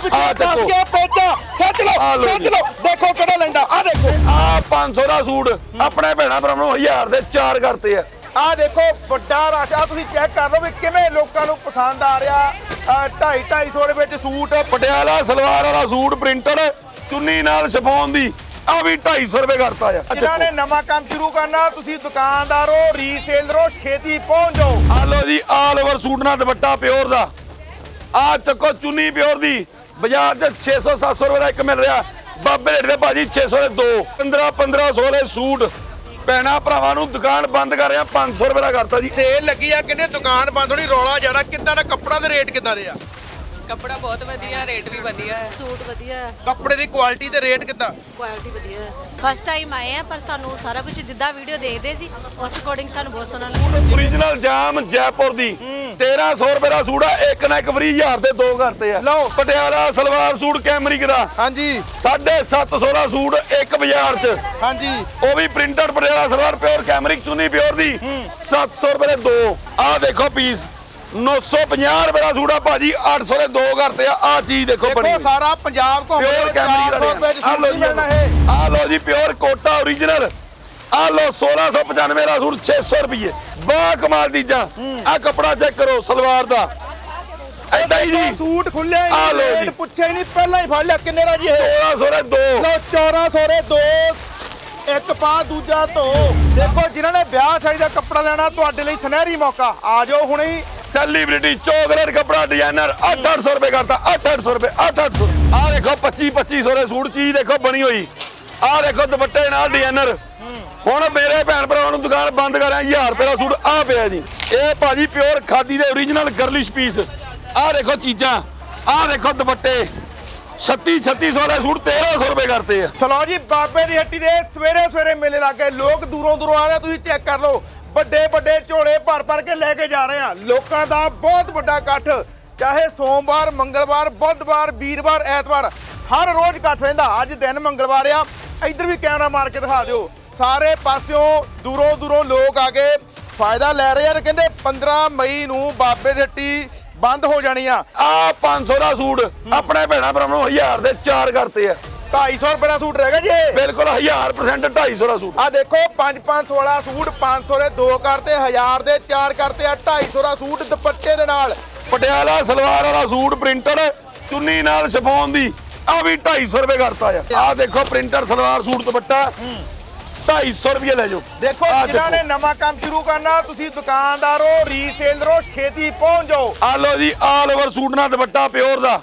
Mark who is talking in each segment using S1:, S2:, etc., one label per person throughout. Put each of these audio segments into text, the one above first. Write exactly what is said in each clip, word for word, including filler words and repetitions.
S1: ਆ ਚੱਕੋ
S2: ਪੇਚਾ ਖਿੱਚ ਲਓ ਖਿੱਚ ਲਓ ਦੇਖੋ ਕਿਹੜਾ ਲੈਂਦਾ ਆ ਦੇਖੋ
S1: ਆ ਪੰਜ ਸੌ ਦਾ ਸੂਟ ਆਪਣੇ ਭੈਣਾ ਭਰਾਵਾਂ ਨੂੰ ਹਜ਼ਾਰ ਦੇ ਚਾਰ ਕਰਤੇ ਆ
S2: ਆ ਦੇਖੋ ਵੱਡਾ ਰਸ਼ ਆ ਤੁਸੀਂ ਚੈੱਕ ਕਰ ਲਓ ਵੀ ਕਿਵੇਂ ਲੋਕਾਂ ਨੂੰ ਪਸੰਦ ਆ ਰਿਹਾ ਢਾਈ ਢਾਈ ਸੌ ਦੇ ਵਿੱਚ ਸੂਟ
S1: ਪਟਿਆਲਾ ਸਲਵਾਰ ਵਾਲਾ ਸੂਟ ਪ੍ਰਿੰਟਡ ਚੁੰਨੀ ਨਾਲ ਸ਼ਿਫੋਨ ਦੀ ਆ ਵੀ ਢਾਈ ਸੌ ਰੁਪਏ ਕਰਤਾ ਆ
S2: ਜਿਨ੍ਹਾਂ ਨੇ ਨਵਾਂ ਕੰਮ ਸ਼ੁਰੂ ਕਰਨਾ ਤੁਸੀਂ ਦੁਕਾਨਦਾਰੋ ਰੀਸੇਲਰੋ ਛੇਤੀ ਪਹੁੰਚ ਜਾਓ
S1: ਆ ਲੋ ਜੀ ਆਲ ਓਵਰ ਸੂਟ ਨਾਲ ਦੁਪੱਟਾ ਪਿਓਰ ਦਾ ਆ ਚੱਕੋ ਚੁੰਨੀ ਪਿਓਰ ਦੀ ਬਾਜ਼ਾਰ 'ਚ ਛੇ ਸੌ ਸੱਤ ਸੌ ਰੁਪਏ ਦਾ ਇੱਕ ਮਿਲ ਰਿਹਾ ਬਾਬੇ ਰੇਟ ਦੇ ਭਾਜੀ ਛੇ ਸੌ ਦੇ ਦੋ ਪੰਦਰਾਂ ਪੰਦਰਾਂ ਸੌ ਦੇ ਸੂਟ ਭੈਣਾ ਭਰਾਵਾਂ ਨੂੰ ਦੁਕਾਨ ਬੰਦ ਕਰ ਰਿਹਾ ਪੰਜ ਸੌ ਰੁਪਏ ਦਾ ਕਰਤਾ ਜੀ
S2: ਸੇਲ ਲੱਗੀ ਆ ਕਿੰਨੇ ਦੁਕਾਨ ਬੰਦ ਹੋਣੀ ਰੌਲਾ ਜਾਣਾ ਕਿੱਦਾਂ ਦਾ ਕੱਪੜਾ ਦੇ ਰੇਟ ਕਿੱਦਾਂ ਦੇ ਆ
S3: ਕੱਪੜਾ ਬਹੁਤ ਵਧੀਆ ਰੇਟ ਵੀ ਵਧੀਆ ਹੈ
S4: ਸੂਟ ਵਧੀਆ ਹੈ
S2: ਕੱਪੜੇ ਦੀ ਕੁਆਲਿਟੀ ਤੇ ਰੇਟ ਕਿੱਦਾਂ
S4: ਕੁਆਲਿਟੀ ਵਧੀਆ ਹੈ ਫਸਟ ਟਾਈਮ ਆਏ ਆ ਪਰ ਸਾਨੂੰ ਸਾਰਾ ਕੁਝ ਜਿੱਦਾਂ ਵੀਡੀਓ ਦੇਖਦੇ ਸੀ ਉਸ ਅਕੋਰਡਿੰਗ ਸਾਨੂੰ ਬਹੁਤ ਸੋਹਣਾ ਲੱਗਾ
S1: ਓਰੀਜਨਲ ਜਾਮ ਜੈਪੁਰ ਦੀ ਤੇਰਾਂ ਸੌ ਰੁਪਏ ਦਾ ਸੂਟ ਆ ਇੱਕ ਨਾ ਇੱਕ ਫਰੀ ਹਜ਼ਾਰ ਦੇ ਦੋ ਕਰਤੇ ਆ
S2: ਲਓ
S1: ਪਟਿਆਲਾ ਸਲਵਾਰ ਸੂਟ ਕੈਮਰਿਕ ਦਾ
S2: ਹਾਂਜੀ
S1: ਸਾਢੇ ਸੱਤ ਸੌ ਦਾ ਸੂਟ ਇੱਕ ਬਾਜ਼ਾਰ 'ਚ
S2: ਹਾਂਜੀ
S1: ਉਹ ਵੀ printed Patiala salwar pure cambric ਚੁੰਨੀ ਪਿਓਰ ਦੀ ਸੱਤ ਸੌ ਰੁਪਏ ਦੇ ਦੋ ਆ ਦੇਖੋ ਪੀਸ ਨੌ ਸੌ ਪੰਜਾਹ ਰੁਪਏ ਦਾ ਸੂਟ ਆ ਭਾਜੀ ਅੱਠ ਸੌ ਦੇ ਦੋ ਕਰਤੇ ਆ ਆ ਚੀਜ਼ ਦੇਖੋ ਬਣੀ
S2: ਦੇਖੋ ਸਾਰਾ ਪੰਜਾਬ ਘੁੰਮ
S1: ਪਿਓਰ ਕੈਮਰਿਕ
S2: ਰੁਪਏ ਚ
S1: ਆ
S2: ਸੂਟ
S1: ਲੋ
S2: ਨਹੀਂ ਮਿਲਣਾ ਇਹ
S1: ਆ ਲੋ ਜੀ ਪਿਓਰ ਕੋਟਾ ਓਰੀਜਨਲ ਆ ਲੋ ਸੋਲਾਂ ਸੌ ਪਚਾਨਵੇਂ ਦਾ ਸੂਟ ਛੇ ਸੌ ਰੁਪਏ ਬਾ ਕਮਾਲ ਚੀਜ਼ਾਂ ਆ ਕੱਪੜਾ ਚੈੱਕ ਕਰੋ ਸਲਵਾਰ ਦਾ ਐਦਾਂ ਹੀ ਜੀ
S2: ਸੂਟ ਖੁੱਲੇ
S1: ਆ ਲਓ ਜੀ।
S2: ਰੇਟ ਪੁੱਛਿਆ ਹੀ ਨਹੀਂ ਪਹਿਲਾਂ ਹੀ ਫੜ ਲਿਆ ਕਿੰਨੇ ਦਾ ਜੀ ਇਹ
S1: ਸੋਲਾਂ ਸੌ ਦੇ ਦੋ
S2: ਲਓ ਚੌਦਾਂ ਸੌ ਦੇ ਦੋ ਇੱਕ ਪਾ ਦੂਜਾ ਧੋ ਦੇਖੋ ਜਿਨ੍ਹਾਂ ਨੇ ਵਿਆਹ ਸ਼ਾਦੀ ਦਾ ਕੱਪੜਾ ਲੈਣਾ ਤੁਹਾਡੇ ਲਈ ਸੁਨਹਿਰੀ ਮੌਕਾ ਆ ਜਾਓ ਹੁਣੇ ਹੀ
S1: ਸੈਲੀਬ੍ਰਿਟੀ ਚੋਕਲੇਟ ਕੱਪੜਾ ਡਿਜ਼ਾਈਨਰ ਅੱਠ ਅੱਠ ਸੌ ਰੁਪਏ ਕਰਤਾ ਅੱਠ ਅੱਠ ਸੌ ਰੁਪਏ ਅੱਠ ਅੱਠ ਸੌ ਆ ਦੇਖੋ ਪੱਚੀ ਪੱਚੀ ਸੌ ਦੇ ਸੂਟ ਚੀਜ਼ ਦੇਖੋ ਬਣੀ ਹੋਈ ਆ ਦੇਖੋ ਦੁਪੱਟੇ ਨਾਲ ਡਿਜ਼ਾਈਨਰ ਹੁਣ ਮੇਰੇ ਭੈਣ ਭਰਾਵਾਂ ਨੂੰ ਦੁਕਾਨ ਬੰਦ ਕਰਿਆ ਹਜ਼ਾਰ ਰੁਪਏ ਦਾ ਸੂਟ ਆ ਪਿਆ ਜੀ ਇਹ ਭਾਜੀ ਪਿਓਰ ਖਾਦੀ ਦੇ ਓਰੀਜਨਲ ਗਰਲਿਸ਼ ਪੀਸ ਆ ਦੇਖੋ ਚੀਜ਼ਾਂ ਆ ਦੇਖੋ ਦੁਪੱਟੇ ਛੱਤੀ ਛੱਤੀ ਸੌ ਦੇ ਸੂਟ ਤੇਰਾਂ ਸੌ ਰੁਪਏ ਕਰਤੇ ਆ
S2: ਚਲੋ ਜੀ ਬਾਬੇ ਦੀ ਹੱਟੀ ਦੇ ਸਵੇਰੇ ਸਵੇਰੇ ਮੇਲੇ ਲੱਗੇ ਲੋਕ ਦੂਰੋਂ ਦੂਰੋਂ ਆ ਰਹੇ ਤੁਸੀਂ ਚੈੱਕ ਕਰ ਲਓ ਵੱਡੇ ਵੱਡੇ ਝੋਲੇ ਭਰ ਭਰ ਕੇ ਲੈ ਕੇ ਜਾ ਰਹੇ ਆ ਲੋਕਾਂ ਦਾ ਬਹੁਤ ਵੱਡਾ ਇਕੱਠ ਚਾਹੇ ਸੋਮਵਾਰ ਮੰਗਲਵਾਰ ਬੁੱਧਵਾਰ ਵੀਰਵਾਰ ਐਤਵਾਰ ਹਰ ਰੋਜ਼ ਇਕੱਠ ਰਹਿੰਦਾ ਅੱਜ ਦਿਨ ਮੰਗਲਵਾਰ ਆ ਇੱਧਰ ਵੀ ਕੈਮਰਾ ਮਾਰ ਕੇ ਦਿਖਾ ਦਿਓ ਸਾਰੇ ਪਾਸਿਓਂ ਦੂਰੋਂ ਦੂਰੋਂ ਲੋਕ ਆ ਕੇ ਫਾਇਦਾ ਲੈ ਰਹੇ ਆ ਤੇ ਕਹਿੰਦੇ ਪੰਦਰਾਂ ਮਈ ਨੂੰ ਬਾਬੇ ਦੀ ਹੱਟੀ ਬੰਦ ਹੋ ਜਾਣੀ ਆ
S1: ਆ ਪੰਜ ਸੌ ਦਾ ਸੂਟ ਆਪਣੇ ਭੈਣਾ ਭਰਾਵਾਂ ਨੂੰ ਹਜ਼ਾਰ ਦੇ ਚਾਰ ਕਰਤੇ ਆ
S2: ਢਾਈ ਸੌ ਰੁਪਏ ਦਾ ਸੂਟ ਰਹਿ ਗਿਆ ਜੀ ਇਹ।
S1: ਬਿਲਕੁਲ ਹਜ਼ਾਰ ਪਰਸੈਂਟ ਢਾਈ ਸੌ ਦਾ ਸੂਟ
S2: ਆ ਦੇਖੋ ਪੰਜ ਪੰਜ ਸੌ ਵਾਲਾ ਸੂਟ ਪੰਜ ਸੌ ਦੇ ਦੋ ਕਰਤੇ ਹਜ਼ਾਰ ਦੇ ਚਾਰ ਕਰਤੇ ਆ ਢਾਈ ਸੌ ਦਾ ਸੂਟ ਦੁਪੱਟੇ ਦੇ ਨਾਲ
S1: ਪਟਿਆਲਾ ਸਲਵਾਰ ਵਾਲਾ ਸੂਟ ਪ੍ਰਿੰਟਡ ਚੁੰਨੀ ਨਾਲ ਸ਼ਿਫੋਨ ਦੀ ਆ ਵੀ ਢਾਈ ਸੌ ਰੁਪਏ ਕਰਤਾ ਆ ਆ ਦੇਖੋ ਪ੍ਰਿੰਟਰ ਸਲਵਾਰ ਸੂਟ ਦੁਪੱਟਾ ਢਾਈ ਸੌ ਰੁਪਏ ਲੈ ਜਾਓ
S2: ਦੇਖੋ ਜਿਨ੍ਹਾਂ ਨੇ ਨਵਾਂ ਕੰਮ ਸ਼ੁਰੂ ਕਰਨਾ ਤੁਸੀਂ ਦੁਕਾਨਦਾਰੋ ਰੀਸੇਲਰੋ ਛੇਤੀ ਪਹੁੰਚ ਜਾਓ
S1: ਆ ਲੋ ਜੀ ਆਲ ਓਵਰ ਸੂਟ ਨਾਲ ਦੁਪੱਟਾ ਪਿਓਰ ਦਾ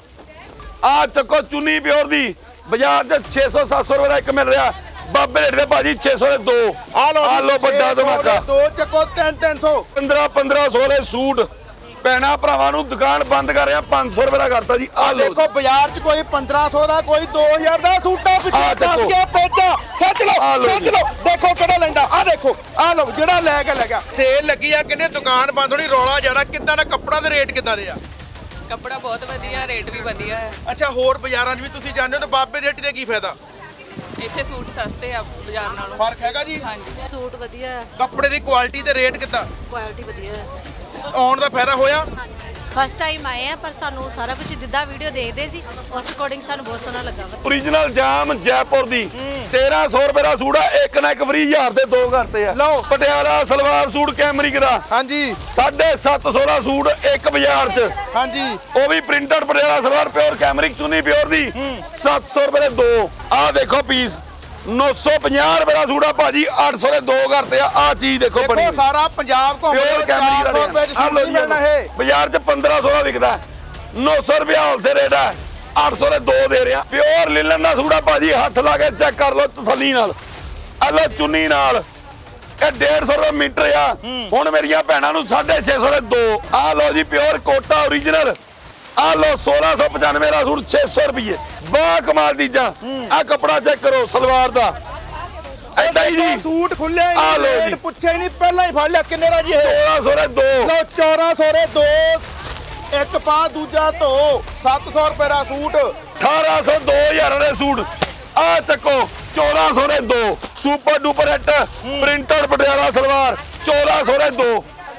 S1: ਆ ਚੱਕੋ ਚੁੰਨੀ ਪਿਓਰ ਦੀ ਬਾਜ਼ਾਰ 'ਚ ਛੇ ਸੌ ਸੱਤ ਸੌ ਰੁਪਏ ਦਾ ਇੱਕ ਮਿਲ ਰਿਹਾ ਬਾਬੇ ਰੇਟ ਦੇ ਭਾਜੀ ਛੇ ਸੌ ਦੇ ਦੋ
S2: ਆ ਲੋ
S1: ਆ ਲੋ ਵੱਡਾ ਧਮਾਕਾ
S2: ਦੋ ਚੱਕੋ ਤਿੰਨ ਤਿੰਨ ਸੌ
S1: ਪੰਦਰਾਂ ਪੰਦਰਾਂ ਸੌ ਦੇ ਸੂਟ ਭੈਣਾ ਭਰਾਵਾਂ ਨੂੰ ਦੁਕਾਨ ਬੰਦ ਕਰ ਰਿਹਾ ਪੰਜ ਸੌ ਰੁਪਏ ਦਾ ਕਰਤਾ ਜੀ ਆ ਲੋ
S2: ਦੇਖੋ ਬਾਜ਼ਾਰ 'ਚ ਕੋਈ ਪੰਦਰਾਂ ਸੌ ਦਾ ਕੋਈ ਦੋ ਹਜ਼ਾਰ ਦਾ ਸੂਟਾਂ ਪਿੱਛੇ
S1: ਆਹ ਚੱਕੋ।
S2: ਦੱਸ ਕੇ ਪੇਚਾ ਖਿੱਚ
S1: ਆਹ
S2: ਲਓ
S1: ਲਓ
S2: ਖਿੱਚ
S1: ਜੀ।
S2: ਲਓ ਦੇਖੋ ਕਿਹੜਾ ਲੈਂਦਾ ਆ ਦੇਖੋ ਆ ਲਓ ਜਿਹੜਾ ਲੈ ਕੇ ਲੈ ਗਿਆ ਸੇਲ ਲੱਗੀ ਆ ਕਿੰਨੇ ਦੁਕਾਨ ਬੰਦ ਹੋਣੀ ਰੌਲਾ ਜਾਣਾ ਕਿੱਦਾਂ ਦਾ ਕੱਪੜਾ ਦੇ ਰੇਟ ਕਿੱਦਾਂ ਦੇ ਆ
S3: ਕੱਪੜਾ ਬਹੁਤ ਵਧੀਆ ਰੇਟ ਵੀ ਵਧੀਆ ਹੈ
S2: ਅੱਛਾ ਹੋਰ ਬਾਜ਼ਾਰਾਂ 'ਚ ਵੀ ਤੁਸੀਂ ਜਾਂਦੇ ਹੋ ਤਾਂ ਬਾਬੇ ਦੀ ਹੱਟੀ ਦੇ ਕੀ ਫਾਇਦਾ
S3: ਇੱਥੇ ਸੂਟ ਸਸਤੇ ਆ ਬਾਜ਼ਾਰ ਨਾਲੋਂ
S2: ਫਰਕ ਹੈਗਾ ਜੀ
S3: ਹਾਂਜੀ
S4: ਸੂਟ ਵਧੀਆ ਹੈ
S2: ਕੱਪੜੇ ਦੀ ਕੁਆਲਿਟੀ ਤੇ ਰੇਟ ਕਿੱਦਾਂ
S4: ਕੁਆਲਿਟੀ ਵਧੀਆ ਹੈ
S2: ਆਉਣ ਦਾ ਫਾਇਦਾ ਹੋਇਆ
S4: ਫਸਟ ਟਾਈਮ ਆਏ ਆ ਪਰ ਸਾਨੂੰ ਸਾਰਾ ਕੁਝ ਜਿੱਦਾਂ ਵੀਡੀਓ ਦੇਖਦੇ ਸੀ ਉਸ ਅਕੋਰਡਿੰਗ ਸਾਨੂੰ ਬਹੁਤ ਸੋਹਣਾ ਲੱਗਾ
S1: ਓਰੀਜਨਲ ਜਾਮ ਜੈਪੁਰ ਦੀ ਤੇਰਾਂ ਸੌ ਰੁਪਏ ਦਾ ਸੂਟ ਆ ਇੱਕ ਨਾ ਇੱਕ ਫਰੀ ਹਜ਼ਾਰ ਦੇ ਦੋ ਕਰਤੇ ਆ
S2: ਲਓ।
S1: ਪਟਿਆਲਾ ਸਲਵਾਰ ਸੂਟ ਕੈਮਰਿਕ ਦਾ
S2: ਹਾਂਜੀ
S1: ਸਾਢੇ ਸੱਤ ਸੌ ਦਾ ਸੂਟ ਇੱਕ ਬਾਜ਼ਾਰ 'ਚ
S2: ਹਾਂਜੀ
S1: ਉਹ ਵੀ printed Patiala salwar pure cambric ਚੁੰਨੀ ਪਿਓਰ ਦੀ ਸੱਤ ਸੌ ਰੁਪਏ ਦੇ ਦੋ ਆ ਦੇਖੋ ਪੀਸ ਨੌ ਸੌ ਪੰਜਾਹ ਰੁਪਏ ਦਾ ਸੂਟ ਆ ਭਾਜੀ ਅੱਠ ਸੌ ਦੇ ਦੋ ਕਰਤੇ ਆ ਆ ਚੀਜ਼ ਦੇਖੋ ਬਣੀ
S2: ਦੇਖੋ ਸਾਰਾ ਪੰਜਾਬ ਘੁੰਮ
S1: ਪਿਓਰ ਕੈਮਰਿਕ
S2: ਚਾਰ ਸੌ ਰੁਪਏ 'ਚ
S1: ਆ
S2: ਸੂਟ
S1: ਲੋ
S2: ਨਹੀਂ ਮਿਲਣਾ ਇਹ
S1: ਬਾਜ਼ਾਰ 'ਚ ਪੰਦਰਾਂ ਸੌ ਦਾ ਵਿਕਦਾ ਨੌ ਸੌ ਰੁਪਏ ਹੋਲਸੇਲ ਰੇਟ ਹੈ ਅੱਠ ਸੌ ਦੇ ਦੋ ਦੇ ਰਿਹਾ ਪਿਓਰ ਲਿਲਨ ਦਾ ਸੂਟ ਆ ਭਾਜੀ ਹੱਥ ਲਾ ਕੇ ਚੈੱਕ ਕਰ ਲਓ ਤਸੱਲੀ ਨਾਲ ਆ ਲੋ ਚੁੰਨੀ ਨਾਲ ਇਹ ਡੇਢ ਸੌ ਰੁਪਏ ਮੀਟਰ ਆ ਹੁਣ ਮੇਰੀਆਂ ਭੈਣਾਂ ਨੂੰ ਸਾਢੇ ਛੇ ਸੌ ਦੇ ਦੋ ਆ ਲੋ ਜੀ ਪਿਓਰ ਕੋਟਾ ਓਰੀਜਨਲ ਆ ਲੋ ਸੋਲਾਂ ਸੌ ਪਚਾਨਵੇਂ ਦਾ ਸੂਟ ਛੇ ਸੌ ਰੁਪਏ ਬਾ ਕਮਾਲ ਚੀਜ਼ਾਂ ਆ ਕੱਪੜਾ ਚੈੱਕ ਕਰੋ ਸਲਵਾਰ ਦਾ ਐਦਾਂ ਹੀ ਜੀ
S2: ਸੂਟ ਖੁੱਲੇ
S1: ਆਹ ਲਓ ਜੀ।
S2: ਰੇਟ ਪੁੱਛਿਆ ਹੀ ਨਹੀਂ ਪਹਿਲਾਂ ਹੀ ਫੜ ਲਿਆ ਕਿੰਨੇ ਦਾ ਜੀ ਇਹ
S1: ਸੋਲਾਂ ਸੌ ਦੇ ਦੋ
S2: ਲਓ ਚੌਦਾਂ ਸੌ ਦੇ ਦੋ ਇੱਕ ਪਾ ਦੂਜਾ ਧੋ ਸੱਤ ਸੌ ਰੁਪਏ ਦਾ ਸੂਟ
S1: ਅਠਾਰਾਂ ਸੌ ਦੋ ਹਜ਼ਾਰ ਦੇ ਸੂਟ ਆ ਚੱਕੋ ਚੌਦਾਂ ਸੌ ਦੇ ਦੋ super duper hit printed Patiala salwar ਚੌਦਾਂ ਸੌ ਦੇ ਦੋ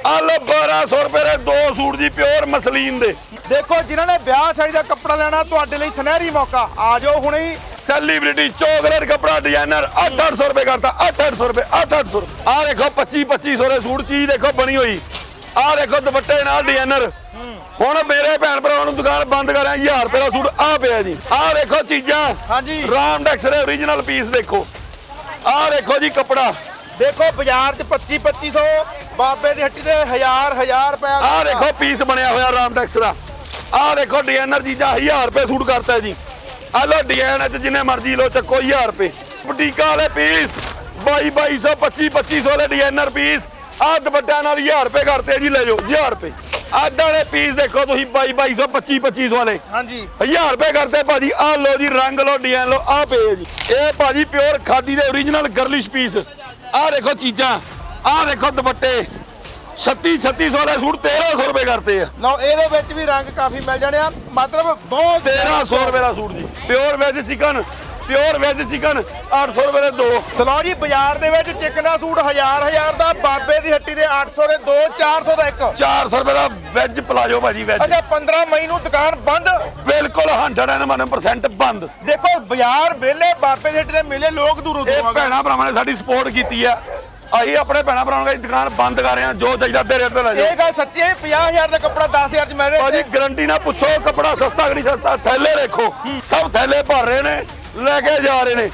S1: ਆ ਲੋ ਬਾਰਾਂ ਸੌ ਰੁਪਏ ਦੇ ਦੋ ਸੂਟ ਜੀ ਪਿਓਰ ਮਸਲੀਨ ਦੇ।
S2: ਦੇਖੋ ਜਿਨ੍ਹਾਂ ਨੇ ਵਿਆਹ ਸ਼ਾਦੀ ਦਾ ਕੱਪੜਾ ਲੈਣਾ ਤੁਹਾਡੇ ਲਈ ਸੁਨਹਿਰੀ ਮੌਕਾ, ਆ ਜਾਓ ਹੁਣੇ ਹੀ।
S1: ਸੈਲੀਬ੍ਰਿਟੀ ਚੋਕਲੇਟ ਕਪੜਾ ਡਿਜ਼ਾਈਨਰ ਅੱਠ ਅੱਠ ਸੌ ਰੁਪਏ ਕਰਤਾ, ਅੱਠ ਅੱਠ ਸੌ ਰੁਪਏ, ਅੱਠ ਅੱਠ ਸੌ। ਆ ਦੇਖੋ ਪੱਚੀ ਪੱਚੀ ਸੌ ਦੇ ਸੂਟ, ਚੀਜ਼ ਦੇਖੋ ਬਣੀ ਹੋਈ। ਆ ਦੇਖੋ ਦੁਪੱਟੇ ਨਾਲ ਡਿਜ਼ਾਈਨਰ। ਹੁਣ ਮੇਰੇ ਭੈਣ ਭਰਾਵਾਂ ਨੂੰ ਦੁਕਾਨ ਬੰਦ ਕਰਿਆ, ਹਜ਼ਾਰ ਰੁਪਏ ਦਾ ਸੂਟ ਆ ਪਿਆ ਜੀ। ਆ ਦੇਖੋ ਚੀਜ਼ਾਂ
S2: ਹਾਂਜੀ
S1: ਰਾਮਡੈਕਸ ਦੇ ਓਰੀਜਨਲ ਪੀਸ ਦੇਖੋ। ਆ ਦੇਖੋ ਜੀ ਕਪੜਾ,
S2: ਦੇਖੋ ਬਾਜ਼ਾਰ 'ਚ ਪੱਚੀ ਪੱਚੀ ਸੌ, ਬਾਬੇ ਦੀ ਹੱਟੀ ਦੇ ਹਜ਼ਾਰ ਹਜ਼ਾਰ ਰੁਪਏ।
S1: ਆ ਦੇਖੋ ਪੀਸ ਬਣਿਆ ਹੋਇਆ ਰਾਮਡੈਕਸ ਦਾ। ਆ ਦੇਖੋ ਡਿਜ਼ਾਈਨਰ ਚੀਜ਼ਾਂ ਹਜ਼ਾਰ ਰੁਪਏ ਸੂਟ ਕਰਤਾ ਜੀ। ਆ ਲੋ ਡਿਜ਼ਾਈਨ ਚ ਜਿੰਨੇ ਮਰਜ਼ੀ ਲੋ ਚੱਕੋ ਹਜ਼ਾਰ ਰੁਪਏ। ਬੁਟੀਕਾਂ ਵਾਲੇ ਪੀਸ ਬਾਈ ਬਾਈ ਸੌ ਪੱਚੀ ਪੱਚੀ ਸੌ ਦੇ ਡਿਜ਼ਾਈਨਰ ਪੀਸ। ਆ ਦੁਪੱਟਿਆਂ ਨਾਲ ਹਜ਼ਾਰ ਰੁਪਏ ਕਰਤੇ ਜੀ, ਲੈ ਜਾਓ ਹਜ਼ਾਰ ਰੁਪਏ। ਆਦਾਂ ਦੇ ਪੀਸ ਦੇਖੋ ਤੁਸੀਂ ਬਾਈ ਬਾਈ ਸੌ ਪੱਚੀ ਪੱਚੀ ਸੌ ਵਾਲੇ
S2: ਹਾਂਜੀ
S1: ਹਜ਼ਾਰ ਰੁਪਏ ਕਰਤੇ ਭਾਜੀ। ਆ ਲੋ ਜੀ ਰੰਗ ਲੋ ਡਿਜ਼ਾਈਨ ਲੋ, ਆ ਪਏ ਜੀ। ਇਹ ਭਾਜੀ ਪਿਓਰ ਖਾਦੀ ਦੇ ਓਰੀਜਨਲ ਗਰਲਿਸ਼ ਪੀਸ। ਆ ਦੇਖੋ ਚੀਜ਼ਾਂ, ਆ ਦੇਖੋ ਦੁਪੱਟੇ ਛੱਤੀ ਛੱਤੀ ਸੌ ਦੇ ਸੂਟ ਤੇਰਾਂ ਸੌ ਰੁਪਏ ਕਰਤੇ ਆ।
S2: ਲਓ ਇਹਦੇ ਵਿੱਚ ਵੀ ਰੰਗ ਕਾਫੀ ਮਿਲ ਜਾਣੇ ਆ, ਮਤਲਬ ਬਹੁਤ
S1: ਤੇਰਾਂ ਸੌ ਰੁਪਏ ਦਾ ਸੂਟ ਜੀ। Pure veg chicken, pure veg chicken ਅੱਠ ਸੌ ਰੁਪਏ ਦੇ ਦੋ।
S2: ਸਲੋ ਜੀ ਬਾਜ਼ਾਰ ਦੇ ਵਿੱਚ ਚਿਕਨ ਦਾ ਸੂਟ ਹਜ਼ਾਰ ਹਜ਼ਾਰ ਦਾ, ਬਾਬੇ ਦੀ ਹੱਟੀ ਦੇ ਅੱਠ ਸੌ ਦੇ ਦੋ, ਚਾਰ ਸੌ ਦਾ ਇੱਕ।
S1: ਚਾਰ ਸੌ ਰੁਪਏ ਦਾ ਵੈਜ ਪਲਾਜੋ ਭਾਜੀ ਵੈਜ।
S2: ਅੱਛਾ ਪੰਦਰਾਂ ਮਈ ਨੂੰ ਦੁਕਾਨ ਬੰਦ,
S1: ਬਿਲਕੁਲ ਸੌ ਪਰਸੈਂਟ ਬੰਦ।
S2: ਦੇਖੋ ਬਾਜ਼ਾਰ ਵਿਹਲੇ, ਬਾਬੇ ਦੀ ਹੱਟੀ ਦੇ ਮੇਲੇ, ਲੋਕ ਦੂਰੋਂ
S1: ਇਹ
S2: ਦੂਰੋਂ ਆ ਗਏ।
S1: ਭੈਣਾ ਭਰਾਵਾਂ ਨੇ ਸਾਡੀ ਸਪੋਰਟ ਕੀਤੀ ਆ। ਅਸੀਂ ਆਪਣੇ ਭੈਣਾ ਭਰਾਵਾਂ ਦੀ ਦੁਕਾਨ ਬੰਦ ਕਰ ਰਹੇ ਹਾਂ, ਜੋ ਚਾਹੀਦਾ ਅੱਧੇ ਰੇਟ ਤੇ ਲੈ ਜਾਓ।
S2: ਇਹ ਗੱਲ ਸੱਚੀ ਹੈ, ਪੰਜਾਹ ਹਜ਼ਾਰ ਦਾ ਕੱਪੜਾ ਦਸ ਹਜ਼ਾਰ ਚ ਮਿਲ ਰਿਹਾ।
S1: ਭਾਜੀ ਗਰੰਟੀ ਨਾਲ ਪੁੱਛੋ ਕੱਪੜਾ ਸਸਤਾ ਕਿ ਨਹੀਂ ਸਸਤਾ। ਥੈਲੇ ਦੇਖੋ, ਸਭ ਥੈਲੇ ਭਰ ਰਹੇ ਨੇ, ਲੈ ਕੇ ਜਾ ਰਹੇ ਨੇ।